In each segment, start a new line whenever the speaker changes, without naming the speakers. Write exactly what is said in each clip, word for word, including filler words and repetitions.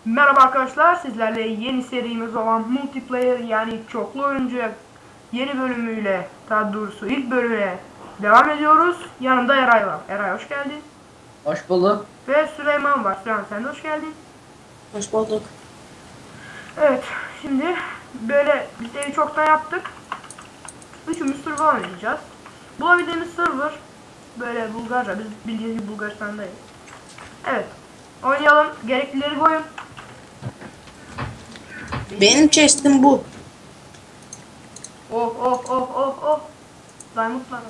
Merhaba arkadaşlar, sizlerle yeni serimiz olan multiplayer yani çoklu oyuncu yeni bölümüyle, daha doğrusu ilk bölüme devam ediyoruz. Yanımda Eray var. Eray hoş geldin.
Hoş bulduk.
Ve Süleyman var. Süleyman sen de hoş geldin.
Hoş bulduk.
Evet, şimdi böyle biz evi çoktan yaptık. Üçümüz server oynayacağız. Bulabildiğimiz server böyle Bulgarca, biz bildiğiniz gibi Bulgaristan'dayız. Evet, oynayalım. Gereklileri koyun.
Benim chest'im bu.
Oh oh oh oh oh. Diamond'lar.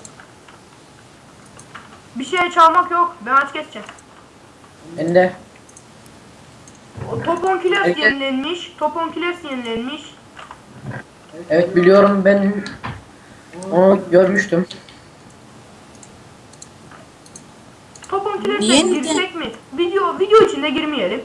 Bir şey çalmak yok. Ben aç geçeceğim.
Ben de.
O Top on Killers
Evet.
yenilenmiş. Top on Killers yenilenmiş.
Evet biliyorum, ben onu görmüştüm.
Top on Killers'e
Yeni de-
girsek mi? Video video içinde girmeyelim.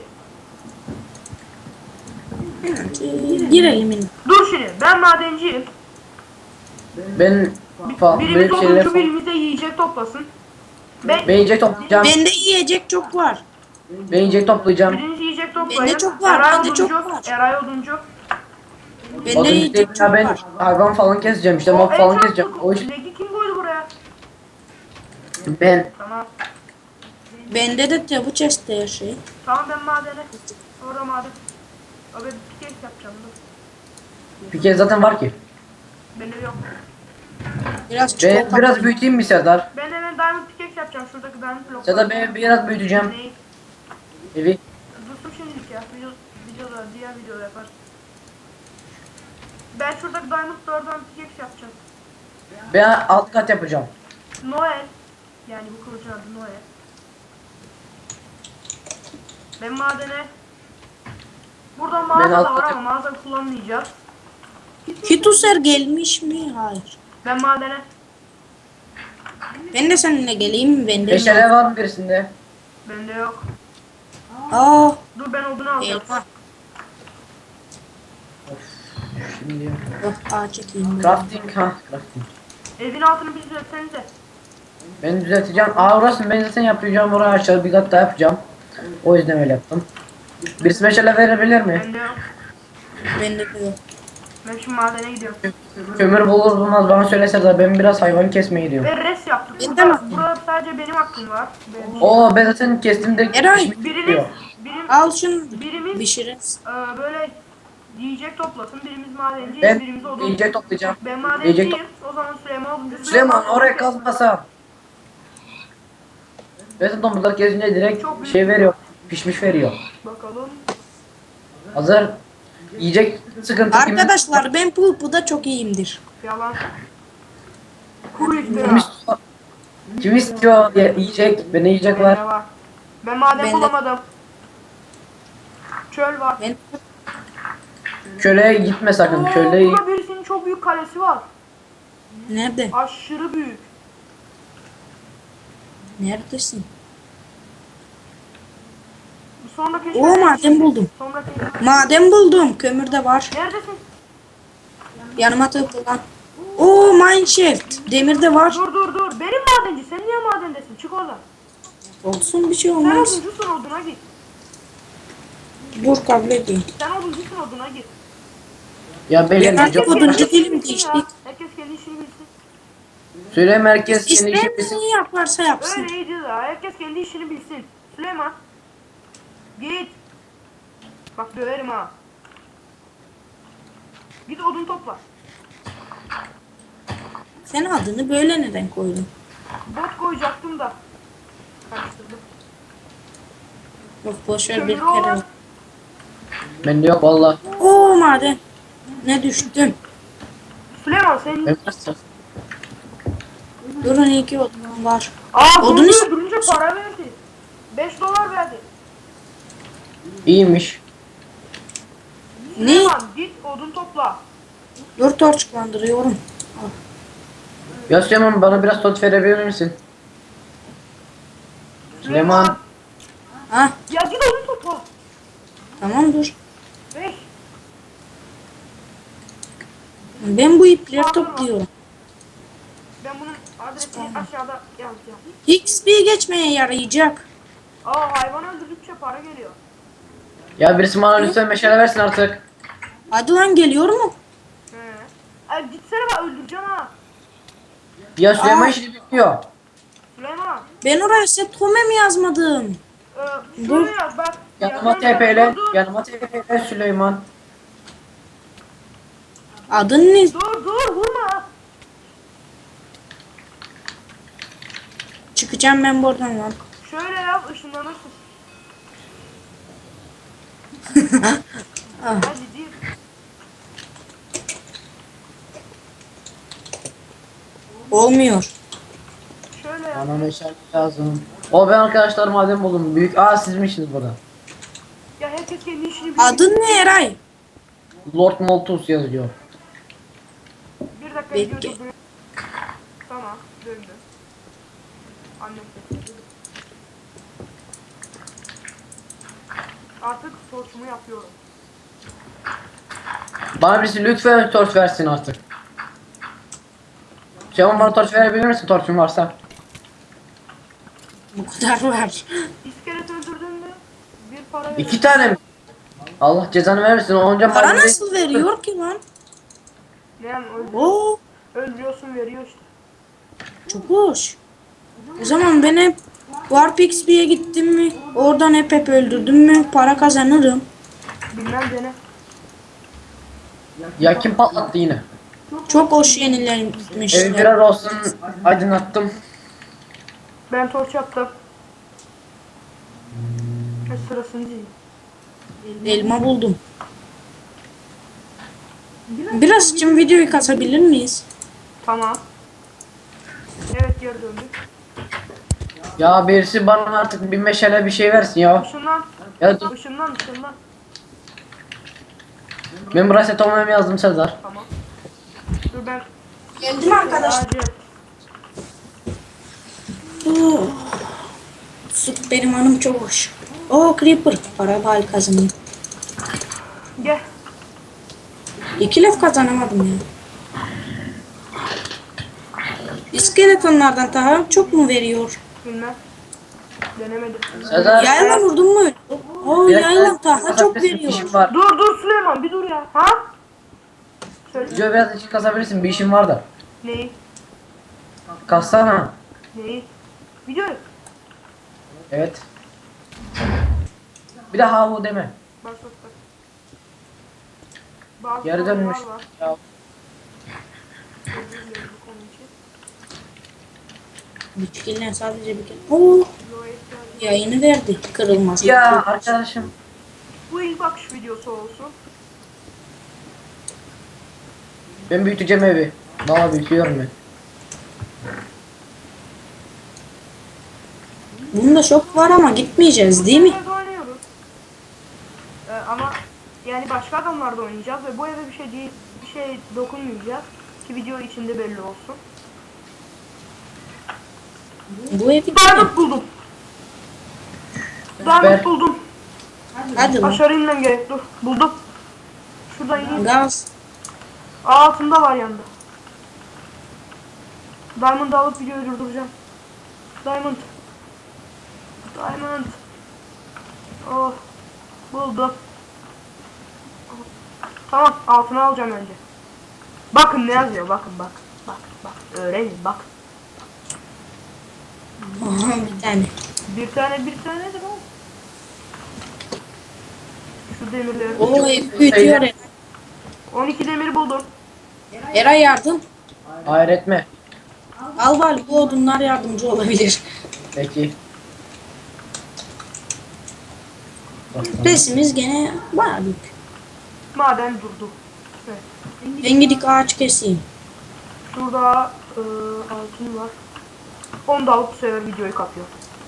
Girelim yine.
Dur şimdi. Ben madenciyim.
Ben falan
Birimiz
böyle şeyler
oduncu,
falan.
birimiz de yiyecek toplasın. Ben,
Ben yiyecek toplayacağım.
Bende yiyecek çok var.
Ben yiyecek toplayacağım.
biriniz yiyecek toplayın.
Bende çok var,
Eray
bende çok
oduncu.
var.
Eray oduncu.
Bende
O
yiyecek
değil
çok
ya, ben
var.
hayvan falan keseceğim işte,
O
mob
en
falan
çok
keseceğim. O iş
legi kim koydu buraya?
ben.
Tamam.
Bende de de bu chest'te her şey.
Tamam ben madene. Sonra maden. Abi bir kez yapacağım. Dur.
Bir kez zaten var ki.
Bende yok.
Biraz
Ben
çikolata.
biraz büyüteyim mi Serdar?
Ben hemen diamond pickaxe yapacağım. Şuradaki diamond blokları.
Serdar ben biraz büyüteceğim
Neyi?
evi.
Dursun şimdilik ya. Video, videoda, diğer videoda yaparız. Ben şuradaki diamondlardan pickaxe yapacağım.
Ben alt kat yapacağım.
Noel. Yani bu kılıcın adı Noel. Ben madene. Buradan mağaza da
alt
var
kat
ama mağaza kullanmayacağız.
Fituser gelmiş mi? Hayır.
Ben madene.
Ben de seninle geleyim mi? Bende
Meşale
yok.
var mı birisinde?
Bende yok.
Aa,
Dur ben odunu alacağım.
elma.
Şimdi
Yok, ağaç çekeyim.
crafting ha crafting.
Evin altını bir düzeltsenize.
Ben düzelteceğim. Aa orası ben zaten yapacağım, oraya aşağı bir kat daha yapacağım. O yüzden öyle yaptım. Birisi meşale verebilir mi?
Bende yok.
Bende de yok.
Ben şimdi madene gidiyorum.
Kömür bulur bulmaz bana söylese de ben biraz hayvan kesmeye gidiyorum.
Ve res yaptık.
Ben de
Burada,
mi?
burada sadece benim hakkım var. Benim-
Oo ben zaten kestim de
Eray,
pişmiş
Birimiz,
diyor.
birim,
Al şunu.
birimiz
Pişiririz.
e, böyle yiyecek toplasın. Birimiz madenci,
Ben
birimiz odun.
yiyecek toplayacağım.
Ben
Yiyecek
madenciyim.
top
O zaman Süleyman oduncu.
Süleyman oraya kazmasa. Ben zaten domuzlar kesince direkt
Çok
şey veriyor. Pişmiş veriyor.
Bakalım.
Hazır yiyecek sıkıntı kimin?
Arkadaşlar ben pulpuda çok iyiyimdir.
Yalan. Kuru
Kim
iftira.
istiyor? Kim istiyor diye yiyecek? Beni yiyecek
Bende
var.
var. Ben maden
Bende-
bulamadım. Çöl var.
Ben
Köle'ye gitme sakın.
Oo,
Köle'yi
burada birisinin çok büyük kalesi var.
nerede?
Aşırı büyük.
Neredesin?
Sonra keşfet.
Oo, maden buldum.
Sonra keşfet.
Maden buldum. Kömür de var.
Neredesin?
Yanıma tıklan. Oo, mineshaft. Demir de var.
Dur dur dur. Benim madenci. Sen niye madendesin? Çık oradan.
Olsun, bir şey
Sen
olmaz.
oduncusun, oduna git.
Dur, kabul edeyim.
Sen oduncusun, oduna git.
ya
Ben
benim
artık
çok
oduncu
Herkes
değilim,
bilsin
geçtik.
ya. Herkes kendi işini bilsin.
Söyle merkez kendi
İsteyen
işi bilsin.
neyi yaparsa yapsın.
Öyle iyiydi ya. Herkes kendi işini bilsin. Süleyman. Git. Bak döverim ha. Git odun topla.
Sen adını böyle neden koydun?
Bot koyacaktım da. Karıştırdım.
Yok, boşver, bir
Kömürü
kere.
olan.
Bende yok valla.
Oo, maden. Ne düştüm.
Süleyman senin...
Ben biraz-
Durun, iki odun var.
Aa
Odunu
odunu
is-
öldürünce para verdi. beş dolar verdi.
İyiymiş.
Ne?
Süleyman git odun topla.
Dur, torçlandırıyorum. Al.
Ya Süleyman bana biraz tot verebilir misin? Süleyman.
Ha,
Ya git odun topla.
tamam, dur.
beş.
Ben bu ipleri topluyorum.
Ben bunun adresini aşağıda yazacağım.
X P geçmeye yarayacak.
Aa hayvan öldürdükçe para geliyor.
Ya birisi bana lütfen meşale versin artık.
Hadi lan geliyor mu?
He. Ay gitsene bak öldüreceğim ha.
Ya Süleyman
Aa.
işini bilmiyor.
Süleyman.
Ben oraya set home mi yazmadım?
Ee,
Dur.
şuraya yaz bak.
Yanıma
Yazıyorum
T P'le.
bak, Dur
Yanıma T P'le Süleyman.
Adın ne?
dur dur vurma.
Çıkacağım ben buradan lan.
Şöyle yaz ışınlanırsın.
Ah.
Hadi değil.
Olmuyor.
Şöyle yaz.
Bana meşale lazım. O ben arkadaşlar madem buldum. Büyük. Aa sizmişsiniz burada.
Ya herkes kendi işini biliyor.
Adın ne Eray?
Lord Malthus yazıyor.
Bir dakika
Bekle.
video durduruyor. Tamam döndü. Annem sesi. Artık torçumu yapıyorum.
Bana birisi lütfen torç versin artık. Süleyman bana torç verebilir misin torçun varsa?
Bu kadar var.
İskelet öldürdün mü? Bir para verir.
İki tane mi? Allah cezanı vermesin. Onca
Para
madeni-
nasıl veriyor ki lan?
Ne yani öldür
Oo,
öldürüyorsun veriyor işte.
çok hoş. O zaman ben hep Warp X P'ye gittim mi? Oradan hep hep öldürdüm mü? Para kazanırım.
Bilmem dene.
Ya kim patlattı yine?
Çok hoş
Evi
yenilenmişler.
biraz olsun aydınlattım.
Ben torç yaptım. E, sırasını değil.
Elma buldum. Biraz için videoyu kasabilir miyiz?
Tamam. Evet geri döndük.
Ya birisi bana artık bir meşale bir şey versin ya.
Işınlan.
Ya dur.
Işınlan ışınlan.
Ben buraya set olmaya yazdım Sezar.
Tamam. Dur ben.
Geldim arkadaşlar.
Acil.
Oh. Süt benim hanım çok hoş. Oo Creeper. Para bal kazanayım.
Gel.
İki laf kazanamadım ya. İskeletonlardan daha çok mu veriyor?
Bilmem. Denemedim.
Sezar.
Yayla vurdun mu? Oo
Bir dakika,
yayla daha çok
bir
veriyor.
işim var.
Dur dur Süleyman bir dur ya. Ha? Söyle.
Video biraz açık kasabilirsin bir işim var da.
Neyi?
Kassana.
Neyi? Video.
Evet. Bir de ha hu deme.
Başlat bak. Bazı
Geri
sorunlar
dönmüş.
var.
Ya.
Özür dilerim bu konu için.
Bitkiler sadece bir kere. Oo
Videoya ihtiyacım var.
yayını verdi. Kırılmaz.
Ya arkadaşım.
Bu ilk bakış videosu olsun.
Ben büyüteceğim evi. Valla büyütüyorum ben.
Bunda şok var ama gitmeyeceğiz değil mi?
Bu evde oynuyoruz. Ee, ama yani başka adamlarda oynayacağız ve bu eve bir şey değil, bir şey dokunmayacağız ki video içinde belli olsun.
Bu evi
Diamond buldum. Diamond
Ver.
buldum.
hadi lan.
Aşağı inmem gerek. Dur. Buldum. Şuradan ineyim.
Gaz.
Aa, altında var yanında. Diamond'ı alıp videoyu durduracağım. Diamond. Diamond. Oh. Buldum. Tamam, altına alacağım önce. Bakın ne yazıyor, bakın bak. Bak, bak. Öğrenin, bak.
Aha bir tane.
Bir tane, bir tanedir oğlum. Şu demirleri.
Oo ev büyütüyor Eray.
on iki demir buldum.
Eray yardım.
Hayır etme.
Al var bu odunlar yardımcı olabilir.
Peki.
Resimiz gene bayağı büyük.
Maden durdu. Evet.
Ben gidip ağaç keseyim.
Şurada e, altın var. Onu da alıp bu sefer videoyu kapıyor.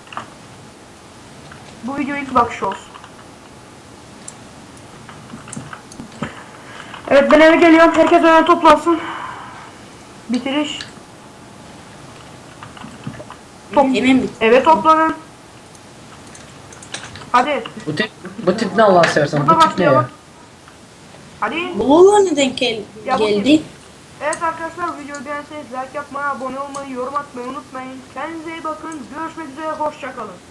Bu video ilk bakış olsun. Evet ben eve geliyorum. Herkes öne toplansın. Bitiriş. Top.
Hemen bit.
Eve toplanın. Hadi.
Bu tip, bu tip ne Allah seversen?
Burada
Bu tip ne ya?
başlayalım. Hadi.
Bu neden gel
Ya bu
geldi?
Evet arkadaşlar videoyu beğenseniz like yapmayı, abone olmayı, yorum atmayı unutmayın. Kendinize iyi bakın. Görüşmek üzere. Hoşça kalın.